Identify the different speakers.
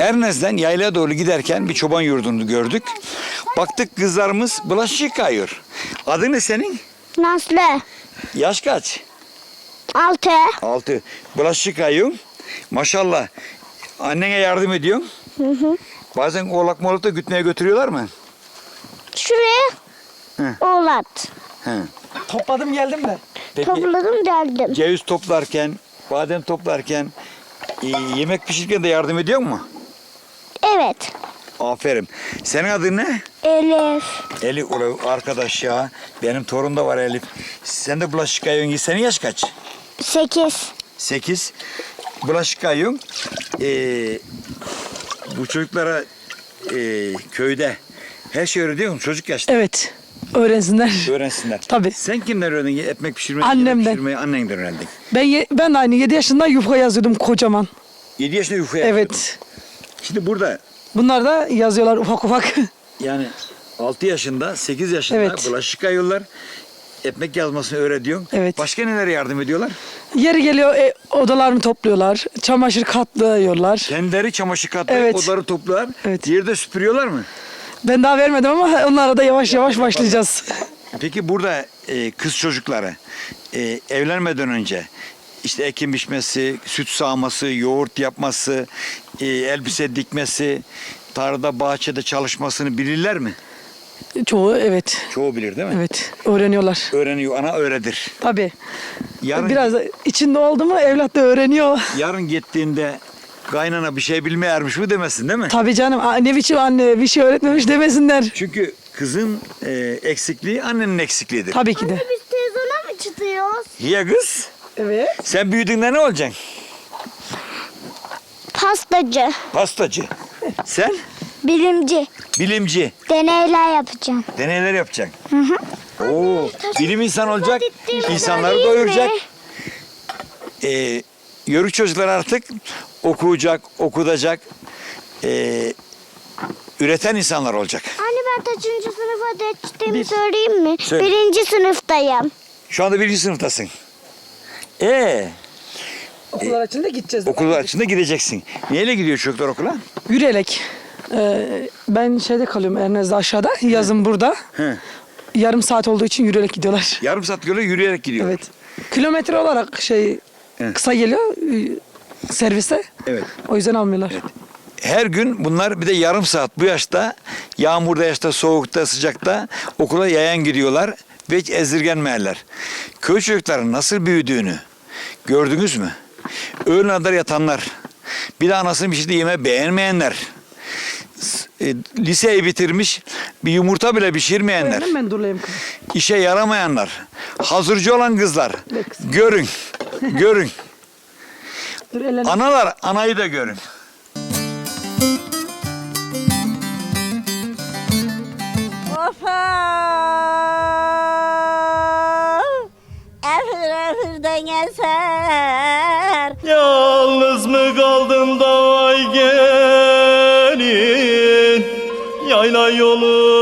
Speaker 1: Ernez'den yaylaya doğru giderken bir çoban yurdunu gördük. Baktık kızlarımız bulaşık yıkıyor. Adı ne senin?
Speaker 2: Nazlı.
Speaker 1: Yaş kaç?
Speaker 2: 6.
Speaker 1: 6. Bulaşık yıkıyorsun. Maşallah. Annene yardım ediyorsun. Bazen oğlak molak da gütmeye götürüyorlar mı?
Speaker 2: Şuraya oğlat.
Speaker 1: He.
Speaker 3: Topladım geldim de.
Speaker 1: Peki
Speaker 2: Topladım geldim.
Speaker 1: ceviz toplarken, badem toplarken, yemek pişirirken de yardım ediyor mu?
Speaker 2: Evet.
Speaker 1: Aferin. Senin adın ne?
Speaker 2: Elif.
Speaker 1: Elif arkadaş ya. Benim torun da var Elif. Sen de bulaşık yıkıyorsun. Senin yaş kaç?
Speaker 2: 8.
Speaker 1: 8. Bulaşık yıkıyorsun. Bu çocuklara köyde her şey öğretiyor musun? Çocuk yaşta.
Speaker 3: Evet. Öğrensinler.
Speaker 1: Öğrensinler.
Speaker 3: Tabii.
Speaker 1: Sen kimden öğrendin? Ekmek pişirmeyi,
Speaker 3: Annemden.
Speaker 1: yemek pişirmeyi annenden öğrendin.
Speaker 3: Ben de aynı 7 yaşında yufka yazıyordum kocaman.
Speaker 1: 7 yaşında yufka yapıyordun.
Speaker 3: Evet.
Speaker 1: Şimdi burada
Speaker 3: Bunlar da yazıyorlar ufak ufak.
Speaker 1: yani 6 yaşında, 8 yaşında
Speaker 3: Evet.
Speaker 1: bulaşık yıkıyorlar. Ekmek yazmasını öğretiyorsun.
Speaker 3: Evet.
Speaker 1: Başka nelere yardım ediyorlar?
Speaker 3: Yeri geliyor odalarını topluyorlar. Çamaşır katlıyorlar.
Speaker 1: Kendileri çamaşır katlayıp
Speaker 3: Evet.
Speaker 1: odaları topluyorlar.
Speaker 3: Evet.
Speaker 1: Yerde süpürüyorlar mı?
Speaker 3: Ben daha vermedim ama onlara da yavaş yavaş başlayacağız.
Speaker 1: Peki burada kız çocukları evlenmeden önce işte ekim biçmesi, süt sağması, yoğurt yapması, elbise dikmesi, tarlada, bahçede çalışmasını bilirler mi?
Speaker 3: Çoğu evet.
Speaker 1: Çoğu bilir değil mi?
Speaker 3: Evet. Öğreniyorlar.
Speaker 1: Öğreniyor, ana öğretir.
Speaker 3: Tabii.
Speaker 1: Yarın,
Speaker 3: Biraz da içinde oldu mu evlat da öğreniyor.
Speaker 1: yarın gittiğinde kaynana bir şey bilmeyermiş mi demesin değil mi?
Speaker 3: Tabii canım. Ne biçim anne bir şey öğretmemiş demesinler.
Speaker 1: Çünkü kızın eksikliği annenin eksikliğidir.
Speaker 3: Tabii ki de.
Speaker 2: Biz televizyona mı çıkıyoruz?
Speaker 1: Ya kız,
Speaker 3: Evet.
Speaker 1: sen büyüdüğünde ne olacaksın?
Speaker 2: Pastacı.
Speaker 1: Pastacı. Sen?
Speaker 2: Bilimci.
Speaker 1: Bilimci.
Speaker 2: Deneyler yapacağım.
Speaker 1: Deneyler yapacaksın. Oo, bilim insan olacak,
Speaker 2: gittiğimi
Speaker 1: insanları
Speaker 2: söyleyeyim
Speaker 1: doyuracak.
Speaker 2: mi?
Speaker 1: Yörük çocuklar artık okuyacak, okutacak, üreten insanlar olacak.
Speaker 2: Anne ben kaçıncı sınıfa geçtiğimi söyleyeyim mi?
Speaker 1: Söyle.
Speaker 2: 1. sınıftayım.
Speaker 1: Şu anda 1. sınıftasın.
Speaker 3: Okullar açınca gideceğiz.
Speaker 1: Okul açında gideceksin. Neyle gidiyor çocuklar okula?
Speaker 3: Yürüyerek. Ben şeyde kalıyorum Ernez'de aşağıda. Yazın burada.
Speaker 1: He.
Speaker 3: Yarım saat olduğu için yürüyerek gidiyorlar.
Speaker 1: Yarım saat göre yürüyerek gidiyor.
Speaker 3: Evet. Kilometre olarak
Speaker 1: Evet.
Speaker 3: kısa geliyor servise.
Speaker 1: Evet.
Speaker 3: O yüzden almıyorlar.
Speaker 1: Her gün bunlar bir de yarım saat bu yaşta yağmurda, yaşta, soğukta, sıcakta okula yayan gidiyorlar ve hiç ezdirgenmeyenler. Köy çocukların nasıl büyüdüğünü gördünüz mü? Öğlen kadar yatanlar, bir de anasının bir şey yeme beğenmeyenler, liseyi bitirmiş bir yumurta bile pişirmeyenler,
Speaker 3: Ben durlayayım.
Speaker 1: işe yaramayanlar, hazırcı olan kızlar,
Speaker 3: Ne kız?
Speaker 1: görün, görün.
Speaker 3: Dur ellerini.
Speaker 1: Analar, anayı da görün.
Speaker 2: Efirden eser.
Speaker 4: Yalnız mı kaldım da vay gelin, yayla yolu